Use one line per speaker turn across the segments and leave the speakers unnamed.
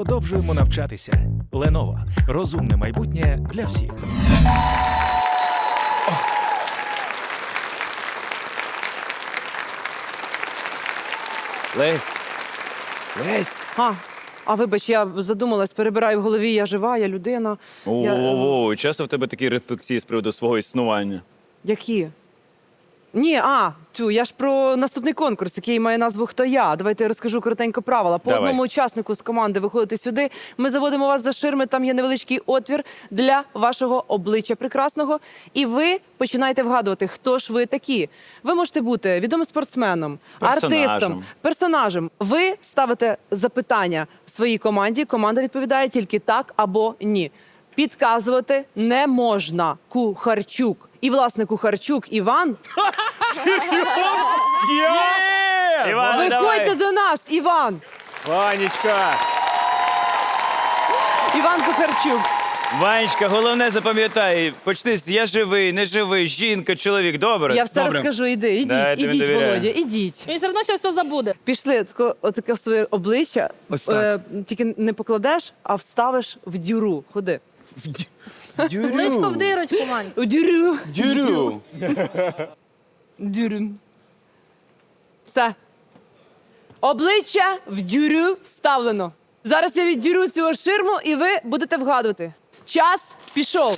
продовжуємо навчатися. Lenovo. Розумне майбутнє для всіх.
Лесь. Лесь.
А вибач, я задумалась, перебираю в голові, я жива, я людина.
О, часто в тебе такі рефлексії з приводу свого існування?
Які? Ні, я ж про наступний конкурс, який має назву «Хто я?». Давайте я розкажу коротенько правила. По
Давай.
одному учаснику з команди виходите сюди, ми заводимо вас за ширми, там є невеличкий отвір для вашого обличчя прекрасного, і ви починаєте вгадувати, хто ж ви такі. Ви можете бути відомим спортсменом, артистом, персонажем. Ви ставите запитання своїй команді, команда відповідає тільки так або ні. Підказувати не можна. Кухарчук. І, власне, Кухарчук Іван.
Іван,
Виходьте до нас, Іван!
Ванечка!
Іван Кухарчук.
Ванечка, головне запам'ятай, почни з я живий, не живий, жінка, чоловік, добре?
Я все розкажу, ідіть,
Да, я тобі
ідіть,
довіряю.
Володя, ідіть.
Він все одно ще все забуде.
Пішли, отаке своє обличчя, тільки не покладеш, а вставиш в дюру. Ходи.
Личко в дирочку, Вань.
У дюру.
Дюрю.
Дюру. Все. Обличчя в дюрю вставлено. Зараз я віддюрю цю ширму, і ви будете вгадувати. Час пішов.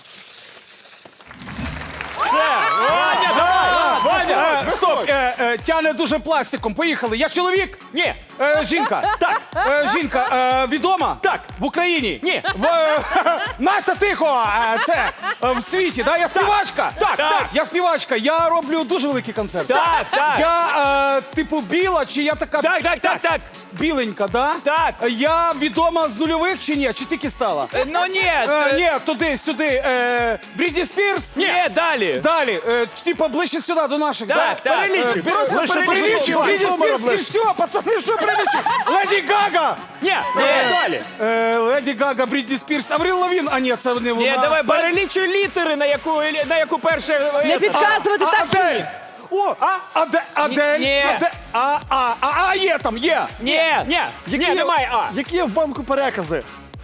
Ваня! Стоп! Тяне дуже пластиком. Поїхали. Я чоловік?
Ні.
Жінка? Так. Жінка відома?
Так.
В Україні?
Ні.
Настя, тихо! Це в світі, да? Я співачка?
Так.
Я співачка. Я роблю дуже великий концерт.
Так.
Я, типу, біла, чи я така...
Так.
Біленька, да?
Так.
Я відома з нульових чи ні? Чи тільки стала?
Ну ні.
Ні, туди, сюди. Брітні Спірс?
Ні, далі.
Далі, типа ближче сюди, до наших,
Так.
Перелічив,
перелічив.
Брітні Спірс, і все, пацани, що перелічив? Леді Гага!
Ні, далі.
Леді Гага, Брітні Спірс, Аврил Лавін, а ні, це не вона.
Ні, давай перелічуй літери, на яку перше...
Не підказувати так чи ні?
Адель! О, Адель!
Ні.
Є там, є!
Ні, немає А.
Які є в банку перекази?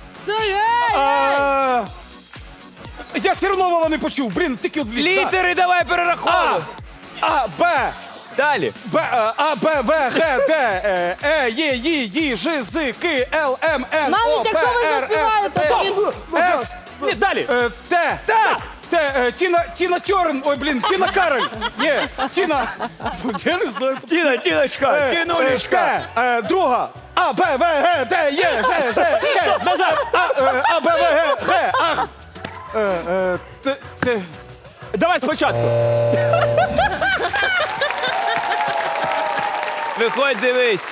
Я все одно Вова не почув, блін, тільки от
Літери давай перераховуй.
А, Б,
Далі.
А, Б, В, Г, Д, Е, Є, Ї, Ж, З, К, Л, М, Н, О,
Навіть
П,
якщо ви
Р,
заспіваєте,
С,
то він...
С,
Ні, далі.
Т,
Так.
Тіна Терн, ой, блін, Тіна Кароль, є, Тіна, я не знаю.
Тіночка, Тінулечка.
Т, друга, А, Б, В, Г, Д, Є, Ж, З, К,
Назад.
А, Б, В, Г, Г, Ах, Т,
Давай спочатку. Виходь, дивись.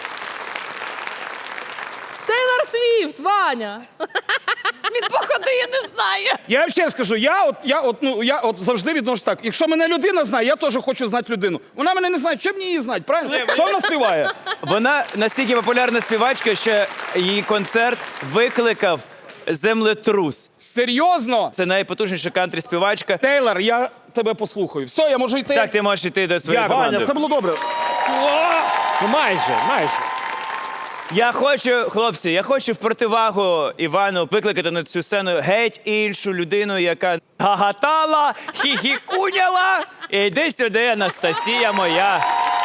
Тейлор Свіфт, Ваня.
Він походу, я не знаю.
Я вам ще раз скажу, я завжди відношусь так. Якщо мене людина знає, я теж хочу знати людину. Вона мене не знає, чим мені її знати, правильно? Що вона співає?
Вона настільки популярна співачка, що її концерт викликав землетрус.
Серйозно?
Це найпотужніша кантрі-співачка.
Тейлор, я тебе послухаю. Все, я можу йти?
Так, ти можеш йти до своєї команди.
Ваня, це було добре.
Ну, майже. Я хочу в противагу Івану викликати на цю сцену геть іншу людину, яка гагатала, хіхікуняла. Іди сюди, Анастасія моя.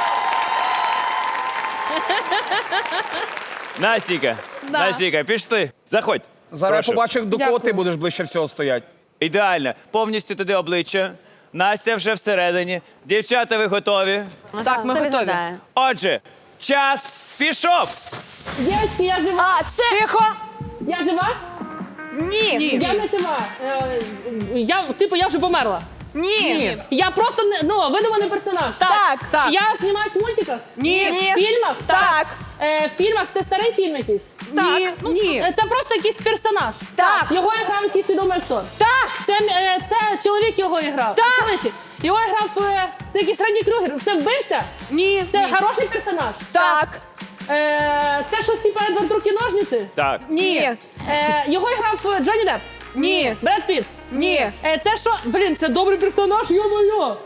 Настіка, пішли. Заходь.
Зараз
Прошу.
я побачу, до кого
Дякую.
ти будеш ближче всього стояти.
Ідеально. Повністю туди обличчя. Настя вже всередині. Дівчата, ви готові?
Так, ми готові.
Отже, час пішов.
Дівчатки, я жива.
Тихо.
Я жива?
Ні.
Я не жива. Я вже померла.
Ні.
Я просто, видуманий персонаж.
Так.
Я знімаюсь в мультиках?
Ні.
В фільмах?
Так.
В фільмах це старий фільм якийсь?
Ні.
Це просто якийсь персонаж.
Так.
Його грав якийсь відомий актор.
Так.
Це чоловік його грав.
Так.
Чоловічий. Його грав це якийсь Фредді Крюгер. Це вбивця?
Ні.
Це хороший персонаж?
Так.
Це щось типу Едвард Руки-ножниці?
Так.
Ні.
Його грав Джонні Депп?
Ні.
Бред Піт?
Ні.
Це що? Блін, це добрий персонаж, йо-моє.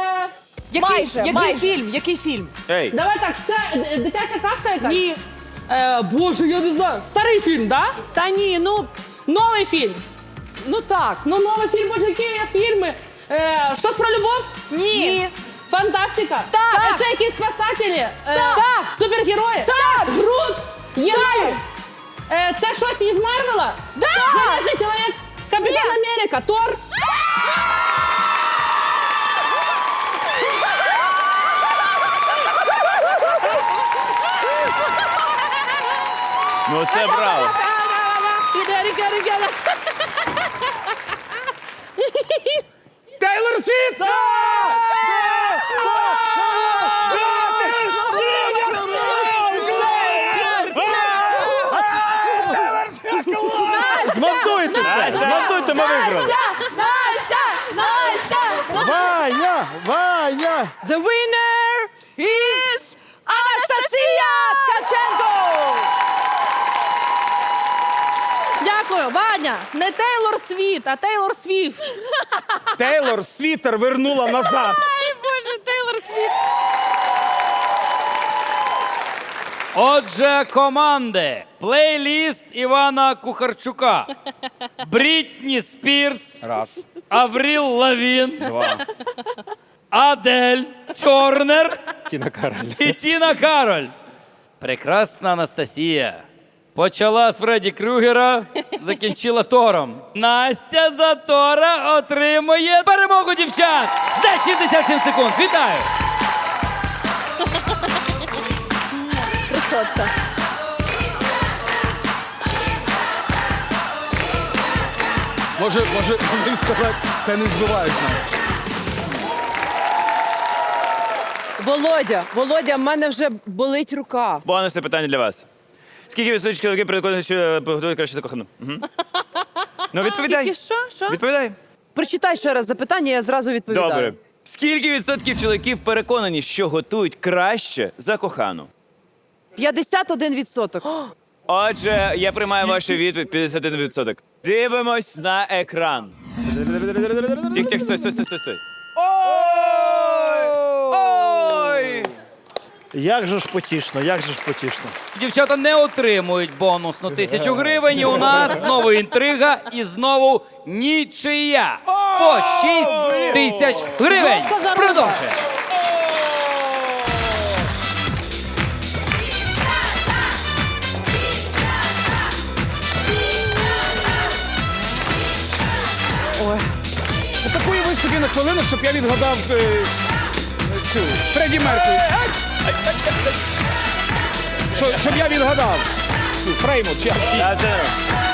Який фільм?
Ей.
Давай так, це дитяча казка якась?
Ні.
Боже, я не знаю. Старий фільм, да?
Та ні,
Новий фільм.
ну так.
Ну, новий фільм, боже, які є фільми? Щось про любов?
Ні.
Фантастика?
Так.
Це якісь спасателі?
Так.
Супергерої?
Так.
Грут? Єгор? Це щось із Марвела?
Да.
Железний чоловік? Капітан Америка? Тор?
Ну це браво.
Тейлор Світ!
Змонтуйте це! Змонтуйте, ми виграли.
Ваня! Ваня!
The winner is Анастасія Ткаченко!
Дякую, Ваня. Не Тейлор Світ, а Тейлор Свіфт.
Тейлор світер вернула назад.
Отже, команди. Плейліст Івана Кухарчука. Брітні Спірс.
Раз,
Авріл Лавін.
два.
Адель Тернер
Тіна Кароль.
і Тіна Кароль. Прекрасна Анастасія. Почала з Фредді Крюгера, закінчила Тором. Настя за Тора отримує перемогу дівчат за 67 секунд. Вітаю!
Красотка.
Може їм сказати, ти не збиваєш нас.
Володя, в мене вже болить рука.
Бонусне питання для вас. Скільки відсотків чоловіків переконані, що готують краще за кохану? Ну, відповідай.
Скільки що?
Відповідай.
Прочитай ще раз запитання, я зразу відповідаю.
Добре. Скільки відсотків чоловіків переконані, що готують краще за кохану?
51%.
Отже, я приймаю вашу відповідь 51%. Дивимось на екран. Тих, стой. Ой! Ой!
Як же ж потішно, як же ж потішно.
Дівчата не отримують бонусну 1000 гривень. І у нас знову інтрига і знову нічия. По 6 тисяч гривень.
Жорстка заруба.
Продовжуємо.
Такої ви собі на хвилину, щоб я відгадав цю Фредді Меркурі. Щоб я відгадав. Цю Фреймут, чи як?
Та, це-